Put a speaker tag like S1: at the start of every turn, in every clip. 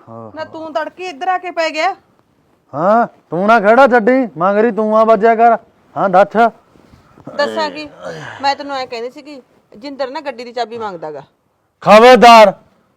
S1: ਨਾ ਤੂੰ ਤੜਕੇ ਇੱਧਰ ਆ ਕੇ ਪੈ ਗਿਆ।
S2: ਹਾਂ ਤੂੰ ਨਾ ਖੜਾ ਛੱਡੀ ਮੰਗਰੀ ਤੂੰ ਆ ਵੱਜਿਆ ਕਰ। ਹਾਂ ਦੱਸ
S1: ਦੱਸਾਂ ਕੀ ਮੈਂ ਤੈਨੂੰ ਐ ਕਹਿੰਦੀ ਸੀ ਕਿ ਜਿੰਦਰ ਨਾ ਗੱਡੀ ਦੀ ਚਾਬੀ ਮੰਗਦਾਗਾ।
S2: ਖਬਰਦਾਰ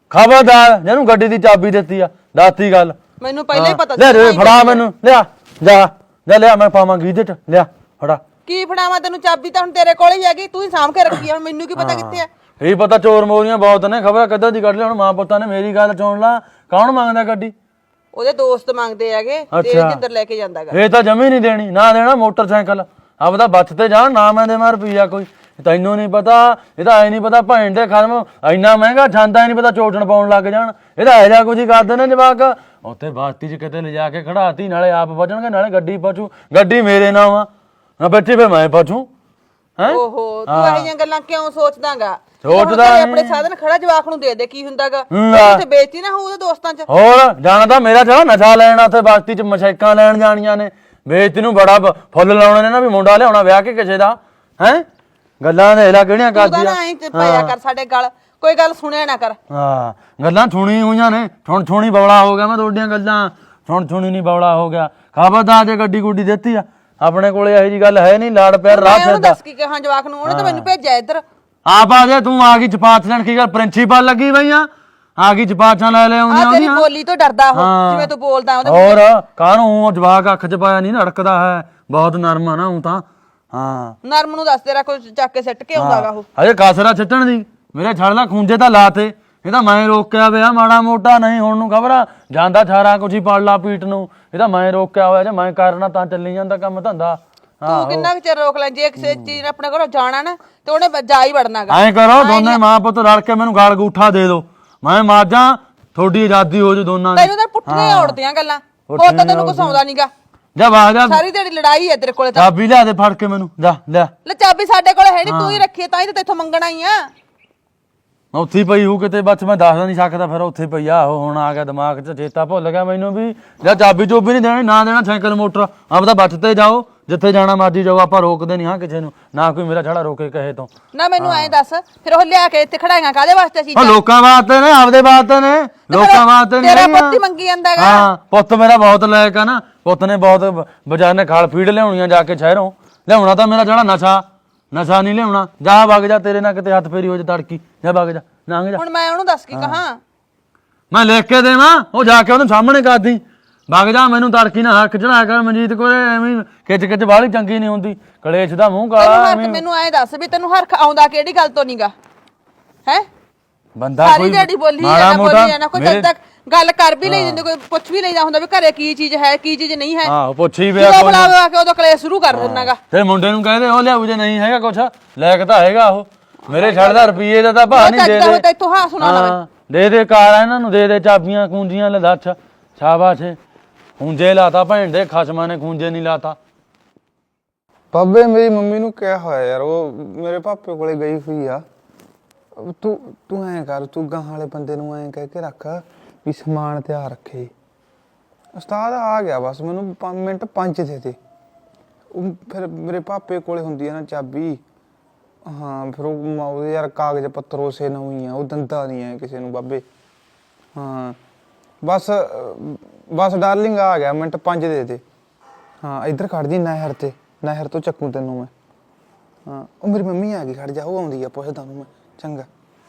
S2: ਖਬਰਦਾਰ ਜਿਹਨੂੰ ਗੱਡੀ ਦੀ ਚਾਬੀ ਦਿੱਤੀ ਆ ਦੱਸਤੀ ਗੱਲ
S1: ਮੈਨੂੰ ਪਹਿਲਾਂ ਹੀ ਪਤਾ
S2: ਸੀ। ਲੈ ਫੜਾ ਮੈਨੂੰ ਲਿਆ ਜਾ ਜਾ ਲਿਆ ਮੈਂ ਪਾਵਾਂ ਗੀਜੇ ਚ ਲਿਆ ਫੜਾ।
S1: ਕੀ ਫੜਾਵਾਂ ਤੈਨੂੰ ਚਾਬੀ ਤਾਂ ਹੁਣ ਤੇਰੇ ਕੋਲ ਹੀ ਹੈਗੀ ਤੂੰ ਹੀ ਸਾਂਭ ਕੇ ਰੱਖੀ ਆ ਹੁਣ ਮੈਨੂੰ ਕੀ ਪਤਾ ਕਿੱਥੇ ਆ।
S2: ਇਹ ਪਤਾ ਚੋਰ ਮੋਰੀਆਂ ਬਹੁਤ ਨੇ ਖਬਰ ਕਿੱਦਾਂ ਦੀ ਕੱਢ ਲਿਆ ਹੁਣ ਮਾਂ ਪੁੱਤਾਂ ਨੇ ਮੇਰੀ ਗੱਲ ਸੁਣ ਲਾ ਕੌਣ ਮੰਗਦਾ ਗੱਡੀ
S1: ਉਹਦੇ ਦੋਸਤ ਮੰਗਦੇ ਹੈਗੇ ਤੇ ਜਿੰਦਰ ਲੈ ਕੇ ਜਾਂਦਾਗਾ।
S2: ਇਹ ਤਾਂ ਜਮੀ ਨਹੀਂ ਦੇਣੀ ਨਾ ਦੇਣਾ ਮੋਟਰਸਾਈਕਲ ਆਪਦਾ ਬੱਚ ਤੇ ਜਾਣ ਨਾ ਮੈਂ ਦੇਵਾਂ ਰੁਪਈਆ ਕੋਈ ਤੈਨੂੰ ਨਹੀਂ ਪਤਾ ਇਹਦਾ ਐ ਨਹੀਂ ਪਤਾ ਭੈਣ ਦੇ ਖਰਮ ਇੰਨਾ ਮਹਿੰਗਾ ਛਾਂਦਾ ਨਹੀਂ ਪਤਾ ਚੋਟਣ ਪਾਉਣ ਲੱਗ ਜਾਣ ਇਹਦਾ ਇਹੋ ਜਿਹਾ ਕੁਝ ਹੀ ਕਰਦੇ ਨੇ ਜਵਾਕ ਉੱਥੇ ਬਾਸਤੀ 'ਚ ਕਿਤੇ ਲਿਜਾ ਕੇ ਖੜਾਤੀ ਨਾਲੇ ਆਪ ਵਜਣਗੇ ਨਾਲੇ ਗੱਡੀ ਪਛੂ ਗੱਡੀ ਮੇਰੇ ਨਾਲ ਆ ਨਾ ਬੈਠੀ ਫਿਰ ਮੈਂ ਪਛੂ ਹੈ।
S1: ਓਹੋ ਤੂੰ ਇਹ ਜਿਹੀਆਂ ਗੱਲਾਂ ਕਿਉਂ ਸੋਚਦਾਗਾ
S2: ਸੋਚਦਾ
S1: ਆਪਣੇ ਸਾਧਨ ਖੜਾ ਜਵਾਕ ਨੂੰ ਦੇ ਦੇ ਕੀ ਹੁੰਦਾਗਾ ਉੱਥੇ ਬੇਇੱਜ਼ਤੀ ਨਾ ਹੋ ਉਹਦੇ ਦੋਸਤਾਂ 'ਚ।
S2: ਹੋਰ ਜਾਣਾ ਤਾਂ ਮੇਰਾ ਚਲਾ ਨਸ਼ਾ ਲੈਣਾ ਉੱਥੇ ਬਾਸਤੀ 'ਚ ਮਸ਼ੈਕਾਂ ਲੈਣ ਜਾਣੀਆਂ ਨੇ ਬੇਇੱਜ਼ਤੀ ਨੂੰ ਬੜਾ ਫੁੱਲ ਲਾਉਣੇ ਨੇ ਨਾ ਵੀ ਮੁੰਡਾ ਲਿਆਉਣਾ ਵਿਆਹ ਕੇ ਕਿਸੇ ਦਾ ਹੈ ਗੱਲਾਂ ਦੇ ਹਿਲਾ ਕਿਹੜੀਆਂ ਕਰਦੀਆਂ
S1: ਪਿਆ ਕਰ ਸਾਡੇ ਗੱਲ ਕੋਈ ਗੱਲ ਸੁਣਿਆ ਨਾ ਕਰ।
S2: ਹਾਂ ਗੱਲਾਂ ਸੁਣੀ ਹੋਈਆਂ ਨੇ ਹੁਣ ਸੁਣੀ ਬੌਲਾ ਹੋ ਗਿਆ ਮੈਂ ਤੁਹਾਡੀਆਂ ਗੱਲਾਂ ਹੁਣ ਸੁਣੀ ਨਹੀਂ ਬੌਲਾ ਹੋ ਗਿਆ। ਖਬਰਦਾਰ ਜੇ ਗੱਡੀ ਗੁੱਡੀ ਦਿੱਤੀ ਆ ਆਪਣੇ ਕੋਲੇ ਇਹੋ ਜੀ ਗੱਲ ਹੈ ਨਹੀਂ ਲਾੜ ਪਿਆਰ ਰਾਹ ਫਿਰਦਾ।
S1: ਦੱਸ ਕੀ ਕਹਾਂ ਜਵਾਕ ਨੂੰ ਉਹਨੇ ਤਾਂ ਮੈਨੂੰ ਭੇਜਿਆ ਇੱਧਰ
S2: ਆਪ ਆ ਜਾ ਤੂੰ ਆ ਗਈ ਚਪਾਤ ਲੈਣ ਕੀ ਗੱਲ ਪ੍ਰਿੰਸੀਪਲ ਲੱਗੀ ਬਈ ਆ ਗਈ ਚਪਾਤਾਂ ਲੈ ਆਉਂਦੀਆਂ
S1: ਤੇਰੀ ਬੋਲੀ ਤੋਂ ਡਰਦਾ ਉਹ ਜਿਵੇਂ ਤੂੰ ਬੋਲਦਾ ਉਹਦੇ
S2: ਹੋਰ ਕਾਹਨੂੰ ਜਵਾਕ ਅੱਖ 'ਚ ਪਾਇਆ ਨਹੀਂ ਅੜਕਦਾ ਹੈ ਬਹੁਤ ਨਰਮ ਆ ਨਾ ਉਹ ਤਾਂ। ਹਾਂ
S1: ਨਰਮ ਨੂੰ ਦੱਸ ਤੇਰਾ ਕੋਈ ਚੱਕ ਕੇ ਸਿੱਟ ਕੇ ਆਉਂਦਾਗਾ ਉਹ
S2: ਅਜੇ ਕਾਸਰਾ ਛੱਟਣ ਦੀ ਮੇਰੇ ਛੜ ਲਾ ਖੂੰਜੇ ਤਾਂ ਲਾਤੇ ਇਹ ਤਾਂ ਮੈਂ ਰੋਕਿਆ ਵਿਆ ਮਾੜਾ ਮੋਟਾ ਨਹੀਂ ਹੁਣ ਨੂੰ ਖਬਰ ਆ ਜਾਂਦਾ ਸਾਰਾ ਕੁਝ ਹੀ ਪੜ ਲਾ ਪੀਟ ਨੂੰ ਇਹ ਤਾਂ ਮੈਂ ਰੋਕਿਆ ਹੋਇਆ ਜੇ ਮੈਂ ਕਰਨਾ ਤਾਂ ਚੱਲੀ ਜਾਂਦਾ ਕੰਮ ਧੰਦਾ।
S1: ਤੂੰ ਕਿੰਨਾ ਕੁ ਚਿਰ ਰੋਕ ਲੈ ਜੇ ਕਿਸੇ ਚੀਜ਼ ਆਪਣੇ ਘਰੋਂ ਜਾਣਾ ਨਾ ਤੇ ਉਹਨੇ ਜਾ ਹੀ ਵੜਨਾਗਾ।
S2: ਐਂ ਕਰੋ ਦੋਨੇ ਮਾਂ ਪੁੱਤ ਰਲ ਕੇ ਮੈਨੂੰ ਗਾਲ ਗੂਠਾ ਦੇ ਦਿਓ ਮੈਂ ਮਾਜਾਂ ਤੁਹਾਡੀ ਆਜ਼ਾਦੀ ਹੋ ਜੂ ਦੋਨਾਂ ਦੀ।
S1: ਤੈਨੂੰ ਤਾਂ ਪੁੱਠੀਆਂ ਔੜਦੀਆਂ ਗੱਲਾਂ ਹੋਰ ਤਾਂ ਤੈਨੂੰ ਕੁਛ ਆਉਂਦਾ ਨਹੀਂਗਾ।
S2: ਜਾ ਬਾਹਰ ਜਾ
S1: ਸਾਰੀ ਤੇਰੀ ਲੜਾਈ ਹੈ ਤੇਰੇ ਕੋਲੇ ਤਾਂ।
S2: ਚਾਬੀ ਲਿਆ ਦੇ ਫੜ ਕੇ ਮੈਨੂੰ ਜਾ ਲੈ
S1: ਚਾਬੀ ਸਾਡੇ ਕੋਲੇ ਹੈ ਨਹੀਂ ਤੂੰ ਹੀ ਰੱਖੀ ਤਾਂ ਹੀ ਤਾਂ ਤੇਥੋਂ ਮੰਗਣਾ ਹੀ ਆ।
S2: ਉੱਥੇ ਪਈ ਹੂ ਕਿਤੇ ਬਸ ਮੈਂ ਦੱਸ ਨਹੀਂ ਸਕਦਾ ਫਿਰ ਉੱਥੇ ਪਈ ਆ ਉਹ ਹੁਣ ਆ ਗਿਆ ਦਿਮਾਗ 'ਚ ਚੇਤਾ ਭੁੱਲ ਗਿਆ ਮੈਨੂੰ ਵੀ ਜਾਂ ਚਾਬੀ ਚੋਬੀ ਨਹੀਂ ਦੇਣੀ ਨਾ ਦੇਣਾ ਸਾਈਕਲ ਮੋਟਰ ਆਪਦਾ ਬਚ ਤੇ ਜਾਓ ਜਿੱਥੇ ਜਾਣਾ ਮਰਜੀ ਜਾਓ ਆਪਾਂ ਰੋਕਦੇ ਨਹੀਂ ਹਾਂ ਕਿਸੇ ਨੂੰ ਨਾ ਕੋਈ ਮੇਰਾ ਛੜਾ ਰੋਕੇ ਕਹੇ ਤੋਂ।
S1: ਨਾ ਮੈਨੂੰ ਐਂ ਦੱਸ ਫਿਰ ਉਹ ਲਿਆ ਕੇ ਇੱਥੇ ਖੜਾਈਆਂ ਕਾਹਦੇ ਵਾਸਤੇ ਸੀ?
S2: ਲੋਕਾਂ ਵਾਸਤੇ ਨੇ ਆਪਦੇ ਵਾਸਤੇ ਨੇ ਲੋਕਾਂ ਵਾਸਤੇ ਨਹੀਂ।
S1: ਤੇਰਾ ਪੁੱਤ ਹੀ ਮੰਗੀ ਜਾਂਦਾਗਾ।
S2: ਹਾਂ ਪੁੱਤ ਮੇਰਾ ਬਹੁਤ ਲਾਇਕ ਆ ਨਾ ਪੁੱਤ ਨੇ ਬਹੁਤ ਬਾਜ਼ਾਰ ਨੇ ਖਾਲ ਫੀਡ ਲਿਆਉਣੀਆਂ ਜਾ ਕੇ ਸ਼ਹਿਰੋਂ ਲਿਆਉਣਾ ਤਾਂ ਮੇਰਾ ਜਿਹੜਾ ਨਸ਼ਾ ਨਹੀਂ ਲਿਆਉਣਾ। ਜਾ ਵਗ ਜਾ ਤੇਰੇ ਨਾਲ ਕਿਤੇ ਹੱਥ ਫੇਰੀ ਹੋ ਜਾ ਤੜਕੀ ਜਾ ਵਗ ਜਾ ਲੰਘ ਜਾ।
S1: ਹੁਣ ਮੈਂ ਉਹਨੂੰ ਦੱਸ ਕੀ ਕਹਾਂ
S2: ਮੈਂ ਲਿਖ ਕੇ ਦੇਵਾਂ ਉਹ ਜਾ ਕੇ ਉਹਨੂੰ ਸਾਹਮਣੇ ਕਰਦੀ ਵਗ ਜਾ ਮੈਨੂੰ ਤੜਕੀ ਨਾ ਹੱਕ ਚੜਾ ਕਰ ਮਨਜੀਤ ਕੋਲੇ ਐਵੇਂ ਖਿੱਚ ਬਾਹਲੀ ਚੰਗੀ ਨਹੀਂ ਹੁੰਦੀ ਕਲੇਸ਼ ਦਾ ਮੂੰਹ ਕਾਲਾ।
S1: ਮੈਨੂੰ ਐਂ ਦੱਸ ਵੀ ਤੈਨੂੰ ਹਰਖ ਆਉਂਦਾ ਕਿਹੜੀ ਗੱਲ ਤੋਂ ਨਹੀਂਗਾ ਹੈ
S2: ਬੰਦਾ
S1: ਸਾਰੀ ਦਿਹਾੜੀ ਬੋਲੀ ਨਾ ਕੋਈ ਜਦ ਤੱਕ ਗੱਲ ਕਰ ਵੀ ਲਈ ਜਾਂਦੇ ਕੋਈ ਪੁੱਛ ਵੀ ਲਈਦਾ ਹੁੰਦਾ ਵੀ ਘਰੇ ਕੀ ਚੀਜ਼ ਹੈ ਕੀ ਚੀਜ਼ ਨਹੀਂ ਹੈ।
S2: ਹਾਂ ਪੁੱਛੀ ਪਿਆ
S1: ਕੋਈ ਬੁਲਾਵਾ ਕੇ ਉਦੋਂ ਕਲੇਸ਼ ਸ਼ੁਰੂ ਕਰ ਦਿੰਨਾਗਾ।
S2: ਤੇ ਮੁੰਡੇ ਨੂੰ ਕਹਿੰਦੇ ਉਹ ਲਿਆਉ ਜੇ ਨਹੀਂ ਹੈਗਾ ਕੁਛ ਲੈ ਕੇ ਤਾਂ ਹੈਗਾ ਉਹ ਮੇਰੇ ਛੱਡਦਾ ਰੁਪਈਏ ਦਾ ਤਾਂ ਭਾਅ ਨਹੀਂ ਦੇ ਦੇ
S1: ਇੱਥੋਂ ਹਾਂ ਸੁਣਾ ਲਵੇ
S2: ਦੇ ਕਾਰ ਇਹਨਾਂ ਨੂੰ ਦੇ ਚਾਬੀਆਂ ਕੂੰਜੀਆਂ ਲੈ ਦੱਸ ਸ਼ਾਬਾਸ਼ ਖੂੰਜੇ ਲਾਤਾ ਭੈਣ ਦੇ ਖਸਮਾਂ ਨੇ ਖੂੰਜੇ ਨਹੀਂ ਲਾਤਾ।
S3: ਬਾਬੇ ਮੇਰੀ ਮੰਮੀ ਨੂੰ ਕਿਹਾ ਹੋਇਆ ਯਾਰ ਉਹ ਮੇਰੇ ਪਾਪੇ ਕੋਲੇ ਗਈ ਹੋਈ ਆ ਤੂੰ ਐਂ ਕਰ ਤੂੰ ਗਾਹਾਂ ਵਾਲੇ ਬੰਦੇ ਨੂੰ ਐਂ ਕਹਿ ਕੇ ਰੱਖ ਵੀ ਸਮਾਨ ਤਿਆਰ ਰੱਖੇ। ਉਸਤਾਦ ਆ ਗਿਆ ਬਸ ਮੈਨੂੰ 5 ਮਿੰਟ 5 ਦੇ ਉਹ ਫਿਰ ਮੇਰੇ ਪਾਪੇ ਕੋਲੇ ਹੁੰਦੀ ਆ ਨਾ ਚਾਬੀ। ਹਾਂ ਫਿਰ ਉਹ ਯਾਰ ਕਾਗਜ਼ ਪੱਤਰ ਉਸੇ ਨਾਲ ਹੀ ਆ ਉਹ ਦੰਦਾ ਨਹੀਂ ਹੈ ਕਿਸੇ ਨੂੰ ਬਾਬੇ। ਹਾਂ ਬਸ ਡਾਰਲਿੰਗ ਆ ਗਿਆ ਮਿੰਟ 5 ਦੇ। ਹਾਂ ਇੱਧਰ ਖੜ ਜੀ ਨਹਿਰ ਤੋਂ ਚੱਕੂ ਤੈਨੂੰ ਮੈਂ। ਹਾਂ ਉਹ ਮੇਰੀ ਮੰਮੀ ਆ ਗਈ ਖੜ ਜਾ ਉਹ ਆਉਂਦੀ ਆ ਪੁੱਛਦਾ ਉਹਨੂੰ ਮੈਂ ਚੰਗਾ।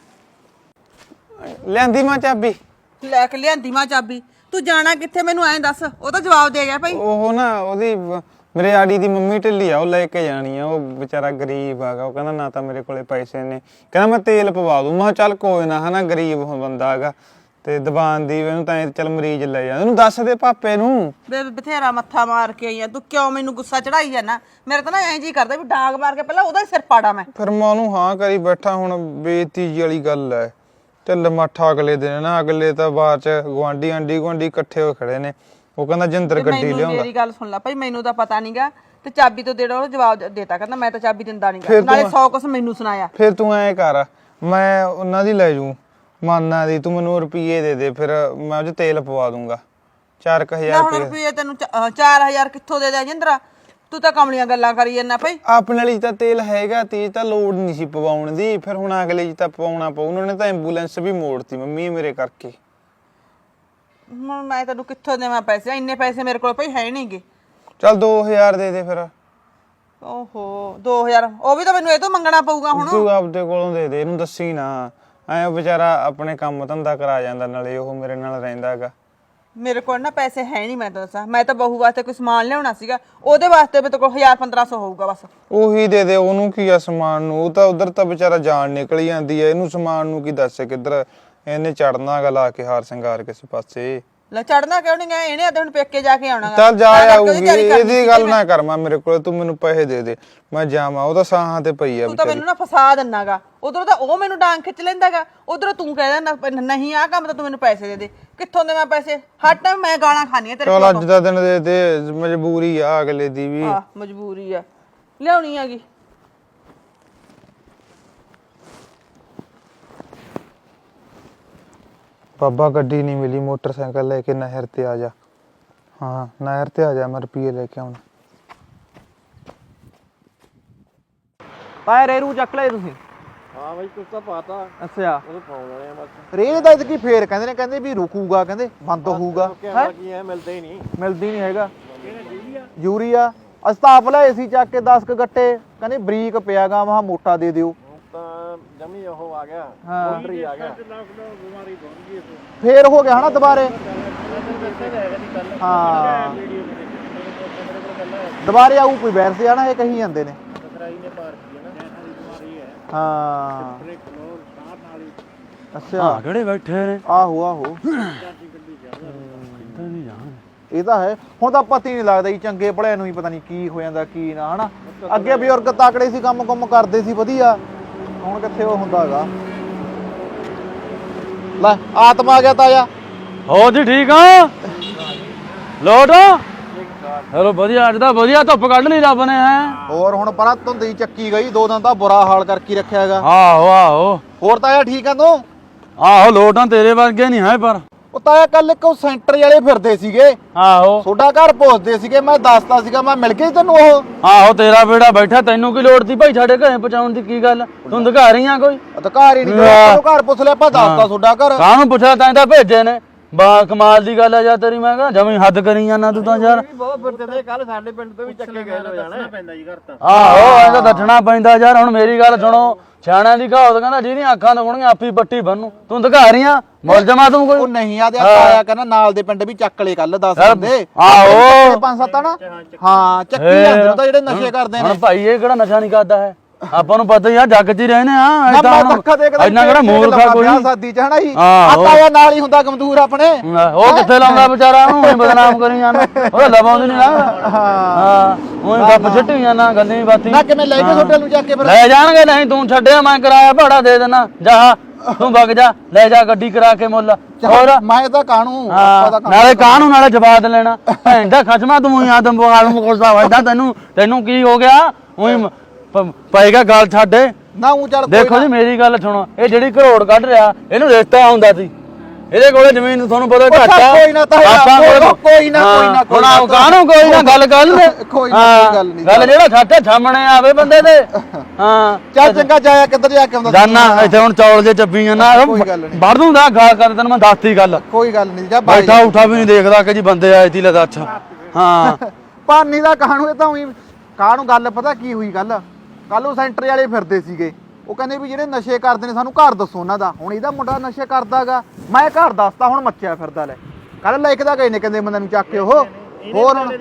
S3: ਲਿਆਂਦੀ ਮਾਂ ਚਾਬੀ
S1: ਲੈ ਕੇ ਲਿਆਂਦੀ ਮਾਂ ਚਾਬੀ ਤੂੰ ਜਾਣਾ ਕਿੱਥੇ ਮੈਨੂੰ ਐਂ ਦੱਸ ਉਹ ਤਾਂ ਜਵਾਬ ਦੇ ਗਿਆ ਭਾਈ।
S3: ਉਹ ਨਾ ਉਹਦੀ ਮੇਰੇ ਆੜੀ ਦੀ ਮੰਮੀ ਢਿੱਲੀ ਆ ਉਹ ਲੈ ਕੇ ਜਾਣੀ ਆ ਉਹ ਵਿਚਾਰਾ ਗਰੀਬ ਆਗਾ ਉਹ ਕਹਿੰਦਾ ਨਾ ਤਾਂ ਮੇਰੇ ਕੋਲੇ ਪੈਸੇ ਨੇ ਕਹਿੰਦਾ ਮੈਂ ਤੇਲ ਪਵਾ ਦੂੰ। ਮੈਂ ਚੱਲ ਕੋਈ ਨਾ ਹਨਾ ਗਰੀਬ ਬੰਦਾ ਹੈਗਾ ਤੇ ਦੁਕਾਨ ਦੀ ਇਹਨੂੰ ਤਾਂ ਚੱਲ ਮਰੀਜ਼ ਲੈ ਜਾ ਉਹਨੂੰ ਦੱਸ ਦੇ ਪਾਪੇ ਨੂੰ।
S1: ਬਥੇਰਾ ਮੱਥਾ ਮਾਰ ਕੇ ਆਈ ਆ ਤੂੰ ਕਿਉਂ ਮੈਨੂੰ ਗੁੱਸਾ ਚੜਾਈ ਜਾਣਾ ਮੇਰੇ ਤਾਂ ਨਾ ਐਂ ਜੀ ਕਰਦਾ ਵੀ ਡਾਂਗ ਮਾਰ ਕੇ ਪਹਿਲਾਂ ਉਹਦਾ ਹੀ ਸਿਰ ਪਾੜਾ ਮੈਂ।
S3: ਫਿਰ ਮੈਂ ਉਹਨੂੰ ਹਾਂ ਕਰੀ ਬੈਠਾ ਹੁਣ ਬੇਇੱਜ਼ਤੀ ਵਾਲੀ ਗੱਲ ਹੈ। ਢਿੱਲ ਮੱਠਾ ਅਗਲੇ ਦਿਨ ਨਾ ਅਗਲੇ ਤਾਂ ਬਾਹਰ ਚ ਗੁਆਂਢੀ ਇਕੱਠੇ ਹੋ ਖੜੇ ਨੇ ਉਹ ਕਹਿੰਦਾ ਜਿੰਦਰ ਗੱਡੀ ਲਿਆਉਂਦਾ।
S1: ਮੇਰੀ ਗੱਲ ਸੁਣ ਲੈ ਭਾਈ ਮੈਨੂੰ ਤਾਂ ਪਤਾ ਨਹੀਂਗਾ ਤੇ ਚਾਬੀ ਤੋਂ ਦੇੜਾ ਉਹ ਜਵਾਬ ਦੇਤਾ ਕਹਿੰਦਾ ਮੈਂ ਤਾਂ ਚਾਬੀ ਦਿੰਦਾ ਨਹੀਂਗਾ ਨਾਲੇ 100 ਕੁਛ ਮੈਨੂੰ ਸੁਣਾਇਆ।
S3: ਫਿਰ ਤੂੰ ਐਂ ਕਰ ਮੈਂ ਉਹਨਾਂ ਦੀ ਲੈ ਜੂ ਮਾਨਾ ਦੀ ਤੂੰ ਮੈਨੂੰ ਰੁਪਈਏ ਦੇ ਫਿਰ ਮੈਂ ਉਹ 'ਚ ਤੇਲ ਪਵਾ ਦੂੰਗਾ 4000
S1: ਰੁਪਏ ਤੈਨੂੰ 4000 ਕਿੱਥੋਂ ਦੇ ਦਿਆਂ ਜਿੰਦਰਾ ਤੂੰ ਤਾਂ ਕਮਲੀਆਂ ਗੱਲਾਂ ਕਰੀ ਜਾਂਦਾ ਭਾਈ।
S3: ਆਪਣੇ ਵਾਲੀ ਤਾਂ ਤੇਲ ਹੈਗਾ ਤੀਜ ਤਾਂ ਲੋੜ ਨਹੀਂ ਸੀ ਪਵਾਉਣ ਦੀ ਫਿਰ ਹੁਣ ਅਗਲੇ ਜੀ ਤਾਂ ਪਵਾਉਣਾ ਪਊ ਉਹਨਾਂ ਨੇ ਤਾਂ ਐਂਬੂਲੈਂਸ ਵੀ ਮੋੜਤੀ ਮੰਮੀ ਮੇਰੇ ਕਰਕੇ।
S1: ਹੁਣ ਮੈਂ ਤੈਨੂੰ ਕਿੱਥੋਂ ਦੇਵਾਂ ਪੈਸੇ? ਇੰਨੇ ਪੈਸੇ ਮੇਰੇ ਕੋਲ ਭਾਈ ਹੈ ਨਹੀਂਗੇ।
S3: ਚੱਲ 2000 ਦੇ ਦੇ ਫਿਰ।
S1: ਓਹੋ 2000 ਉਹ ਵੀ ਤਾਂ ਮੈਨੂੰ ਇਹ ਤੋਂ ਮੰਗਣਾ ਪਊਗਾ ਹੁਣ।
S3: ਤੂੰ ਆਪਦੇ ਕੋਲੋਂ ਦੇ ਦੇ, ਇਹਨੂੰ ਦੱਸੀ ਨਾ। ਐ ਵਿਚਾਰਾ ਆਪਣੇ ਕੰਮ ਧੰਦਾ ਕਰਾ ਜਾਂਦਾ, ਨਾਲੇ ਉਹ ਮੇਰੇ ਨਾਲ ਰਹਿੰਦਾ ਹੈਗਾ।
S1: ਮੇਰੇ ਕੋਲ ਨਾ ਪੈਸੇ ਹੈ ਨਹੀਂ, ਮੈਂ ਤਾਂ ਦੱਸਾਂ। ਮੈਂ ਤਾਂ ਬਹੂ ਵਾਸਤੇ ਕੋਈ ਸਮਾਨ ਲਿਆਉਣਾ ਸੀਗਾ, ਉਹਦੇ ਵਾਸਤੇ ਮੇਰੇ ਕੋਲ 1000-1500 ਹੋਊਗਾ ਬਸ।
S3: ਉਹੀ ਦੇ ਦੇ, ਉਹਨੂੰ ਕੀ ਆ ਸਮਾਨ ਨੂੰ? ਉਹ ਤਾਂ ਉਧਰ ਤਾਂ ਵਿਚਾਰਾ ਜਾਨ ਨਿਕਲ ਜਾਂਦੀ ਐ, ਇਹਨੂੰ ਸਮਾਨ ਨੂੰ ਕੀ ਦੱਸ ਕਿੱਧਰ ਇਹਨੇ ਚੜਨਾ ਗਾ ਲਾ ਕੇ ਹਾਰ ਸ਼ਿੰਗਾਰ ਕਿਸੇ ਪਾਸੇ।
S1: ਲੈ ਚੜਨਾ ਕਿਉਂ ਨਹੀਂ ਗਿਆ? ਇਹਨੇ ਤਾਂ ਹੁਣ ਪੇਕੇ ਜਾ ਕੇ ਆਉਣਾ।
S3: ਚੱਲ ਜਾ ਆਊਗੀ, ਇਹਦੀ ਗੱਲ ਨਾ ਕਰ। ਮੈਂ ਮੇਰੇ ਕੋਲ ਤੂੰ ਮੈਨੂੰ ਪੈਸੇ ਦੇ ਦੇ, ਮੈਂ ਜਾਵਾਂ। ਉਹ ਤਾਂ ਸਾਹਾਂ ਤੇ ਪਈ ਆ
S1: ਤੂੰ ਤਾਂ ਮੈਨੂੰ ਨਾ ਫਸਾ ਦਿੰਨਾਗਾ। ਉਧਰੋਂ ਤਾਂ ਉਹ ਮੈਨੂੰ ਡਾਂਗ ਖਿੱਚ ਲੈਂਦਾਗਾ, ਉਧਰੋਂ ਤੂੰ ਕਹਿ ਦਿੰਦਾ ਨਹੀਂ ਆਹ ਕੰਮ ਤਾਂ ਤੂੰ ਮੈਨੂੰ ਪੈਸੇ ਦੇ ਦੇ। ਕਿੱਥੋਂ ਦੇਵਾਂ ਪੈਸੇ? ਹਰ ਟਾਈਮ ਮੈਂ ਗਾਲਾਂ ਖਾਣੀਆਂ ਤੇਰੇ ਕੋਲ।
S3: ਚੱਲ ਅੱਜ ਦਾ ਦਿਨ ਦੇ ਦੇ, ਮਜਬੂਰੀ ਆ ਅਗਲੇ ਦੀ ਵੀ।
S1: ਆਹ ਮਜਬੂਰੀ ਆ, ਲਿਆਉਣੀ ਹੈਗੀ।
S3: ਬਾਬਾ ਗੱਡੀ ਨਹੀਂ ਮਿਲੀ, ਮੋਟਰਸਾਈਕਲ ਲੈ ਕੇ ਨਹਿਰ ਤੇ ਆ ਜਾ। ਹਾਂ ਨਹਿਰ ਤੇ ਆ ਜਾ, ਮੈਂ ਰੁਪਈਏ ਲੈ ਕੇ ਆਉਣਾ।
S4: ਤਾਇਆ ਰੇਰੂ ਚੱਕ ਲਏ ਤੁਸੀਂ?
S5: ਹਾਂ ਬਾਈ ਕੁਛ ਤਾਂ ਪਾਤਾ,
S4: ਅੱਛਾ
S5: ਉਹ ਪਾਉਣ ਵਾਲੇ ਆ ਬਸ।
S4: ਰੇ ਦਾ ਇਤਕੀ ਫੇਰ ਕਹਿੰਦੇ ਨੇ, ਕਹਿੰਦੇ ਵੀ ਰੁਕੂਗਾ, ਕਹਿੰਦੇ ਬੰਦ ਹੋਊਗਾ।
S5: ਕਹਿੰਦਾ ਕੀ ਹੈ, ਮਿਲਦਾ ਹੀ ਨਹੀਂ।
S4: ਮਿਲਦੀ ਨਹੀਂ ਹੈਗਾ। ਯੂਰੀਆ ਅਸੀਂ ਤਾਂ ਆਪ ਲਏ ਸੀ ਚੱਕ ਕੇ 10 ਕ ਗੱਟੇ, ਕਹਿੰਦੇ ਬਰੀਕ ਪਿਆਗਾ, ਮਹਾ ਮੋਟਾ ਦੇ ਦਿਓ।
S5: ਤਾਂ ਜਮੀ ਉਹ ਆ ਗਿਆ,
S4: ਹਾਂ।
S5: ਕਾਉਂਟਰ ਹੀ ਆ ਗਿਆ।
S4: ਫੇਰ ਹੋ ਗਿਆ ਹਨਾ ਦੁਬਾਰੇ। ਹਾਂ ਦੁਬਾਰੇ ਆਊ ਕੋਈ ਵਾਇਰਸ ਆ ਨਾ, ਇਹ ਕਹੀ ਜਾਂਦੇ ਨੇ। ਹਾਂ ਅੱਛਾ
S2: ਕਿਹੜੇ ਬੈਠੇ ਨੇ?
S4: ਆਹੋ ਆਹੋ ਇਹ ਤਾਂ ਹੈ। ਹੁਣ ਤਾਂ ਪਤਾ ਹੀ ਨਹੀਂ ਲੱਗਦਾ ਜੀ, ਚੰਗੇ ਭਲਿਆਂ ਨੂੰ ਹੀ ਪਤਾ ਨਹੀਂ ਕੀ ਹੋ ਜਾਂਦਾ ਕੀ ਨਾ, ਹਨਾ। ਅੱਗੇ ਬਜ਼ੁਰਗ ਤਾਕੜੇ ਸੀ, ਕੰਮ ਕੁੰਮ ਕਰਦੇ ਸੀ ਵਧੀਆ, ਹੁਣ ਕਿੱਥੇ ਉਹ ਹੁੰਦਾ ਹੈਗਾ। ਲੈ ਆਤਮਾ ਆ ਗਿਆ ਤਾਇਆ।
S2: ਹੋ ਜੀ ਠੀਕ ਆ? ਲੋਟ ਚਲੋ ਵਧੀਆ, ਅੱਜ ਤਾਂ ਵਧੀਆ ਧੁੱਪ ਕੱਢ ਲਈ ਰੱਬ ਨੇ। ਹੈ
S4: ਹੋਰ ਹੁਣ ਪਰਾਂ ਧੁੰਦੀ ਚੱਕੀ ਗਈ, 2 ਦਿਨ ਤਾਂ ਬੁਰਾ ਹਾਲ ਕਰਕੇ ਰੱਖਿਆ ਹੈਗਾ।
S2: ਆਹੋ ਆਹੋ
S4: ਹੋਰ ਤਾਇਆ ਠੀਕ ਆ ਤੂੰ?
S2: ਆਹੋ ਲੋਟਾਂ ਤੇਰੇ ਵਰਗੇ ਨਹੀਂ ਹੈ ਪਰ।
S4: ਉਹ ਤਾਇਆ ਕੱਲ ਇੱਕ ਉਹ ਸੈਂਟਰ ਵਾਲੇ ਫਿਰਦੇ ਸੀਗੇ,
S2: ਆਹੋ
S4: ਤੁਹਾਡਾ ਘਰ ਪੁੱਛਦੇ ਸੀਗੇ, ਮੈਂ ਦੱਸਦਾ ਸੀਗਾ, ਮੈਂ ਮਿਲ ਗਈ ਤੈਨੂੰ ਉਹ।
S2: ਆਹੋ ਤੇਰਾ ਬੇੜਾ ਬੈਠਾ, ਤੈਨੂੰ ਕੀ ਲੋੜ ਸੀ ਭਾਈ ਸਾਡੇ ਘਰੇ ਪਹੁੰਚਾਉਣ ਦੀ? ਕੀ ਗੱਲ ਤੂੰ ਅਧਿਕਾਰੀ ਆ ਕੋਈ?
S4: ਅਧਿਕਾਰੀ ਨਹੀਂ, ਤੈਨੂੰ ਘਰ ਪੁੱਛ ਲਿਆ, ਆਪਾਂ ਦੱਸਦਾ ਤੁਹਾਡਾ ਘਰ।
S2: ਕਾਹਨੂੰ ਪੁੱਛਿਆ? ਤੈਂ ਤਾਂ ਭੇਜੇ ਨੇ। ਬਾ ਕਮਾਲ ਦੀ ਗੱਲ ਆ ਯਾਰ ਤੇਰੀ। ਮੈਂ ਕਿਹਾ ਜਮੀ ਹੱਦ ਕਰੀ ਜਾਂਦਾ ਤੂੰ ਤਾਂ ਯਾਰ।
S5: ਬਹੁਤ ਫਿਰਦੇ ਨੇ, ਕੱਲ ਸਾਡੇ ਪਿੰਡ ਤੋਂ ਵੀ ਚੱਕੇ ਗਏ ਹੋ ਜਾਣਾ ਪੈਂਦਾ ਜੀ ਘਰ ਤਾਂ।
S2: ਆਹੋ ਐਂ ਤਾਂ ਦੱਸਣਾ ਪੈਂਦਾ ਯਾਰ। ਹੁਣ ਮੇਰੀ ਗੱਲ ਸੁਣੋ, ਸਿਆਣਿਆਂ ਦੀ ਕਹਾਵਤ ਕਹਿੰਦਾ ਜਿਹਦੀਆਂ ਅੱਖਾਂ ਦਿਖਾਉਣਗੀਆਂ ਆਪੀ ਪੱਟੀ ਬੰਨੂ। ਤੂੰ ਅਧਿਕਾਰੀ ਆ, ਮੁਲਜ਼ਮਾ ਤੂੰ ਕੋਈ?
S4: ਉਹ ਨਹੀਂ ਆਦਿਆ ਤਾਇਆ ਕਹਿੰਦਾ ਨਾਲ ਦੇ ਪਿੰਡ ਵੀ ਚੱਕ ਲੈ ਕੱਲ 10 ਬੰਦੇ।
S2: ਆਹੋ
S4: 5-7 ਨਾ, ਹਾਂ ਚੱਕੀ ਜਾਂਦੇ ਨੇ ਤਾਂ ਜਿਹੜੇ ਨਸ਼ੇ ਕਰਦੇ ਨੇ।
S2: ਹੁਣ ਭਾਈ ਇਹ ਕਿਹੜਾ ਨਸ਼ਾ ਨਹੀਂ ਕਰਦਾ ਹੈ? ਆਪਾਂ ਨੂੰ ਪਤਾ ਹੀ ਆ, ਜੱਗ 'ਚ ਹੀ ਰਹਿੰਦੇ ਆ।
S4: ਨਾ
S2: ਏਦਾਂ
S4: ਮੈਂ
S2: ਹੁਣ
S4: ਅੱਖਾਂ ਦੇਖਦਾ
S2: ਇੰਨਾ ਕਿਹੜਾ ਮੂਰਖਾ ਕੋਈ।
S4: ਸਾਦੀ ਚ ਹਨਾ ਜੀ।
S2: ਆਹੋ।
S4: ਤਾਇਆ ਨਾਲ ਹੀ ਹੁੰਦਾ ਗਮਦੂਰ ਆਪਣੇ।
S2: ਉਹ ਕਿੱਥੇ ਲਾਉਂਦਾ ਵਿਚਾਰਾ, ਉਹਨੂੰ ਹੀ ਬਦਨਾਮ ਕਰੀ ਜਾਂਦਾ। ਉਹ ਲਵਾਉਂਦੀ ਨਹੀਂ ਨਾ। ਹਾਂ ਉਹੀ ਗੱਪ ਛੱਟੀ ਜਾਂਦਾ, ਗੱਲਾਂ ਹੀ ਬਾਤੀ।
S4: ਨਾ ਕਿਵੇਂ ਲੈ ਕੇ ਹੋਟਲ ਨੂੰ ਜਾ ਕੇ ਫਿਰ?
S2: ਲੈ ਜਾਣਗੇ, ਨਹੀਂ ਤੂੰ ਛੱਡਿਆ, ਮੈਂ ਕਿਰਾਇਆ ਭਾੜਾ ਦੇ ਦੇਣਾ। ਜਾ ਤੂੰ ਵਗ ਜਾ, ਲੈ ਜਾ ਗੱਡੀ ਕਰਾ ਕੇ ਮੁੱਲ। ਹੋਰ
S4: ਮੈਂ ਤਾਂ ਕਾਣੂ
S2: ਨਾਲੇ ਕਾਹਨੂੰ ਨਾਲੇ ਜਵਾਬ ਲੈਣਾ। ਭੈਣ ਦਾ ਖਸਮਾ ਤੂੰ ਹੀ ਆਦਮ ਬਵਾਲ ਨੂੰ ਕੋਸਦਾ ਵਜਦਾ। ਤੈਨੂੰ ਕੀ ਹੋ ਗਿਆ? ਉਹੀ ਪਏਗਾ ਗੱਲ ਛੱਡੇ।
S4: ਨਾ ਉਹ ਚੱਲ
S2: ਦੇਖੋ ਜੀ ਮੇਰੀ ਗੱਲ ਸੁਣੋ, ਇਹ ਜਿਹੜੀ ਕਰੋੜ ਕੱਢ ਰਿਹਾ, ਇਹਨੂੰ ਰਿਸ਼ਤਾ ਹੁੰਦਾ ਸੀ। ਇਹਦੇ ਕੋਲੇ ਜ਼ਮੀਨ ਤੁਹਾਨੂੰ ਪਤਾ ਘੱਟ ਆ।
S4: ਕੋਈ ਨਾ ਤਾਇਆ, ਕੋਈ ਨਾ
S2: ਹੁਣ ਆਪ ਕਾਹਨੂੰ ਕੋਈ ਨਾ ਗੱਲ ਗੱਲ
S4: ਕੋਈ ਗੱਲ ਨਹੀਂ।
S2: ਗੱਲ ਜਿਹੜਾ ਛੱਟੇ ਸਾਹਮਣੇ ਆਵੇ ਬੰਦੇ ਦੇ। ਹਾਂ
S4: ਚੱਲ ਚੰਗਾ, ਜਾਇਆ ਕਿੱਧਰ ਜਾ ਕੇ ਆਉਂਦਾ?
S2: ਜਾਨਾ ਇੱਥੇ ਹੁਣ ਚੌਲ ਜੇ ਚੱਬੀ ਜਾਨਾ, ਵੜ ਦੂੰਗਾ ਗਾਲ ਕਰ। ਤੈਨੂੰ ਮੈਂ ਦੱਸਤੀ ਗੱਲ।
S4: ਕੋਈ ਗੱਲ ਨਹੀਂ, ਜਾ
S2: ਬੈਠਾ ਉਠਾ ਵੀ ਨਹੀਂ ਦੇਖਦਾ ਕਿ ਜੀ ਬੰਦੇ ਆਏ ਸੀ। ਲੈ ਦੱਸ। ਹਾਂ
S4: ਪਾਨੀ ਦਾ ਕਾਣੂ, ਇਹ ਤਾਂ ਉਹੀ ਕਾਣੂ। ਗੱਲ ਪਤਾ ਕੀ ਹੋਈ ਕੱਲ ਉਹ ਸੈਂਟਰ ਵਾਲੇ ਫਿਰਦੇ ਸੀਗੇ, ਉਹ ਕਹਿੰਦੇ ਵੀ ਜਿਹੜੇ ਨਸ਼ੇ ਕਰਦੇ ਨੇ ਸਾਨੂੰ ਘਰ ਦੱਸੋ ਉਹਨਾਂ ਦਾ। ਹੁਣ ਇਹਦਾ ਮੁੰਡਾ ਨਸ਼ੇ ਕਰਦਾਗਾ, ਮੈਂ ਘਰ ਦੱਸਤਾ, ਹੁਣ ਮੱਚਿਆ ਫਿਰਦਾ। ਲੈ ਕੱਲ ਲਿਖਦਾ ਗਏ ਨੇ, ਕਹਿੰਦੇ ਬੰਦੇ ਨੂੰ ਚੱਕ ਕੇ ਉਹ। ਹੋਰ ਹੁਣ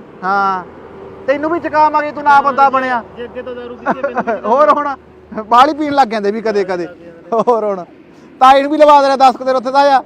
S4: ਹਾਂ ਤੈਨੂੰ ਵੀ ਚਕਾਵਾਂਗੇ, ਤੂੰ ਨਾ ਬੰਦਾ ਬਣਿਆ। ਹੋਰ ਹੁਣ ਬਾਹਲੀ ਪੀਣ ਲੱਗ ਜਾਂਦੇ ਵੀ ਕਦੇ ਕਦੇ। ਹੋਰ ਹੁਣ ਤਾਈ ਨੂੰ ਵੀ ਲਵਾ ਦੇਣਾ 10 ਦਿਨ ਉੱਥੇ ਦਾ ਆ।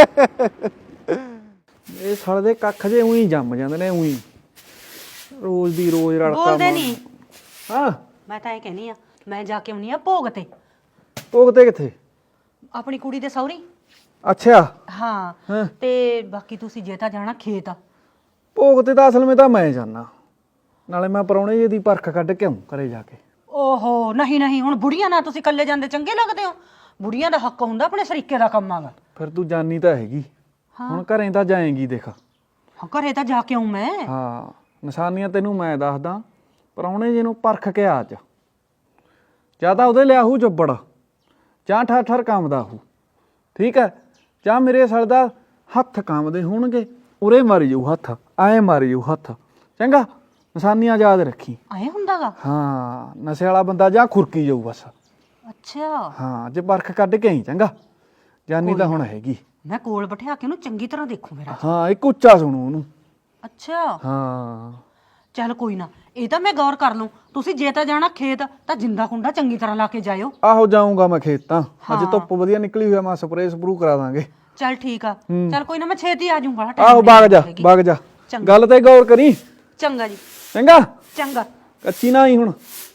S4: ਇਹ ਸਾਲੇ ਦੇ ਕੱਖ ਜੇ ਉਹੀ ਜੰਮ ਜਾਂਦੇ ਨੇ, ਉਹੀ ਰੋਜ਼ ਦੀ ਰੋਜ਼ ਰੜਕਾ।
S6: ਬੋਲਦੇ ਨਹੀਂ।
S4: ਹਾਂ
S6: ਮੈਂ ਤਾਂ ਇਹ ਕਹਿੰਨੀ ਆ, ਮੈਂ ਜਾ ਕੇ ਆਉਣੀ ਆ ਭੋਗ ਤੇ।
S4: ਭੋਗ ਤੇ ਕਿੱਥੇ?
S6: ਆਪਣੀ ਕੁੜੀ ਦੇ ਸਹੁਰੀ।
S4: ਅੱਛਾ
S6: ਹਾਂ ਤੇ ਬਾਕੀ ਤੁਸੀਂ ਜੇ ਤਾਂ ਜਾਣਾ ਖੇਤ।
S4: ਭੋਗ ਤੇ ਤਾਂ ਅਸਲ ਵਿੱਚ ਤਾਂ ਮੈਂ ਜਾਣਾ, ਨਾਲੇ ਮੈਂ ਪਰੌਣੇ ਜੀ ਦੀ ਪਰਖ ਕੱਢ ਕੇ ਆਉਂ ਘਰੇ ਜਾ ਕੇ।
S6: ਓਹੋ ਨਹੀਂ ਨਹੀਂ, ਹੁਣ ਬੁੜੀਆਂ ਨਾਲ ਤੁਸੀਂ ਇਕੱਲੇ ਜਾਂਦੇ ਚੰਗੇ ਲੱਗਦੇ ਹੋ? ਬੁੜੀਆਂ ਦਾ ਹੱਕ ਹੁੰਦਾ, ਆਪਣੇ ਸਰੀਕੇ ਦਾ ਕੰਮ ਆਗਾ।
S4: ਫਿਰ ਤੂੰ ਜਾਨੀ ਤਾਂ ਹੈਗੀ, ਹੁਣ ਘਰੇ ਤਾਂ ਜਾਏਂਗੀ। ਦੇਖ
S6: ਘਰੇ ਤਾਂ ਜਾ ਕੇ ਆਉਂ ਮੈਂ।
S4: ਹਾਂ ਨਿਸ਼ਾਨੀਆਂ ਤੈਨੂੰ ਮੈਂ ਦੱਸਦਾ। ਪਰੌਣੇ ਜੀ ਨੂੰ ਪਰਖ ਕੇ ਆ ਚ, ਜਾਂ ਤਾਂ ਉਹਦੇ ਲਿਆਹੂ ਚੱਬੜ, ਜਾਂ ਠਰ ਠਰ ਕੰਮ ਦਾ ਹੂ। ਠੀਕ ਹੈ, ਜਾਂ ਮੇਰੇ ਸਰ ਦਾ ਹੱਥ ਕੰਮਦੇ ਹੋਣਗੇ ਉਰੇ ਮਾਰੀ ਜਾਊ ਹੱਥ, ਐ ਮਾਰੀ ਜਾਊ ਹੱਥ, ਚੰਗਾ ਨਿਸ਼ਾਨੀਆਂ ਯਾਦ ਰੱਖੀ।
S6: ਐ ਹੁੰਦਾਗਾ?
S4: ਹਾਂ ਨਸ਼ੇ ਵਾਲਾ ਬੰਦਾ ਜਾਂ ਖੁਰਕੀ ਜਾਊ ਬਸ।
S6: ਅੱਛਾ
S4: ਹਾਂ ਜੇ ਬਰਖ ਕੱਢ ਕੇ ਆਈ ਚੰਗਾ, ਜਾਨੀ ਤਾਂ ਹੁਣ ਹੈਗੀ।
S6: ਮੈਂ ਕੋਲ ਬਿਠਾ ਕੇ ਉਹਨੂੰ ਚੰਗੀ ਤਰ੍ਹਾਂ ਦੇਖੂ ਮੇਰਾ।
S4: ਹਾਂ ਇੱਕ ਉੱਚਾ ਸੁਣੂ ਉਹਨੂੰ।
S6: ਅੱਛਾ
S4: ਹਾਂ
S6: ਚੱਲ ਕੋਈ ਨਾ, ਇਹ ਤਾਂ ਮੈਂ ਗੌਰ ਕਰ ਲੂੰ। ਤੁਸੀਂ ਜੇ ਤਾਂ ਜਾਣਾ ਖੇਤ ਤਾਂ ਜਿੰਦਾ ਕੁੰਡਾ ਚੰਗੀ ਤਰ੍ਹਾਂ ਲਾ ਕੇ ਜਾਇਓ।
S4: ਆਹੋ ਜਾਊਂਗਾ ਮੈਂ ਖੇਤ ਤਾਂ, ਅੱਜ ਧੁੱਪ ਵਧੀਆ ਨਿਕਲੀ ਹੋਈ ਆ, ਮੈਂ ਸਪਰੇਅ ਸਪਰੂ ਕਰਾ ਦਾਂਗੇ।
S6: ਚੱਲ ਠੀਕ ਆ, ਚੱਲ ਕੋਈ ਨਾ ਮੈਂ ਛੇਤੀ ਆ ਜਾਊਂਗਾ।
S4: ਆਹੋ ਵਗ ਜਾ ਗੱਲ ਤੇ ਗੌਰ ਕਰੀ
S6: ਚੰਗਾ ਜੀ।
S4: ਚੰਗਾ,
S6: ਚੰਗਾ
S4: ਕੱਚੀ ਨਾ ਆਈ ਹੁਣ।